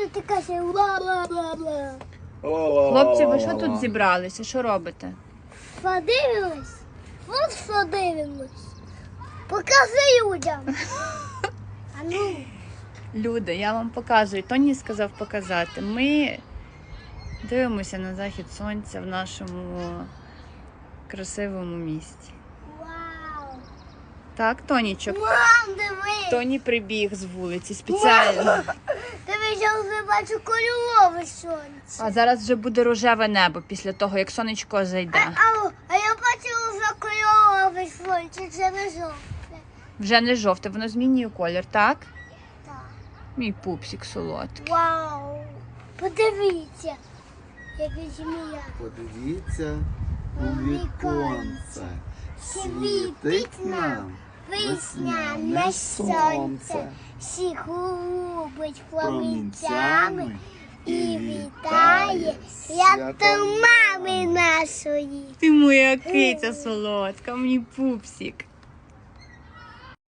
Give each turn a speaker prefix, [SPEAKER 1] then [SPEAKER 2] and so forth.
[SPEAKER 1] що ти кажеш бла-бла-бла-бла.
[SPEAKER 2] Хлопці, ви що тут зібралися? Що робите?
[SPEAKER 1] Подивимось. От що дивимось. Покажи людям. А ну.
[SPEAKER 2] Люди, я вам показую. Тоні сказав показати. Ми дивимося на захід сонця в нашому красивому місті.
[SPEAKER 1] Вау.
[SPEAKER 2] Так, Тонічок?
[SPEAKER 1] Мам, дивись.
[SPEAKER 2] Тоні прибіг з вулиці спеціально.
[SPEAKER 1] Дивись, я вже бачу кольорове сонце.
[SPEAKER 2] А зараз вже буде рожеве небо після того, як сонечко зайде.
[SPEAKER 1] А я бачила вже кольорове сонце, це не жовте.
[SPEAKER 2] Вже не жовте, воно змінює колір, так?
[SPEAKER 1] Так.
[SPEAKER 2] Мій пупсик солодкий.
[SPEAKER 1] Вау. Подивіться, яка змія.
[SPEAKER 3] Подивіться у віконце. Світить нам
[SPEAKER 1] Весняне сонце, всіх губить промінцями і вітає свято мами нашої.
[SPEAKER 2] Ти моя киця солодка, мій пупсик.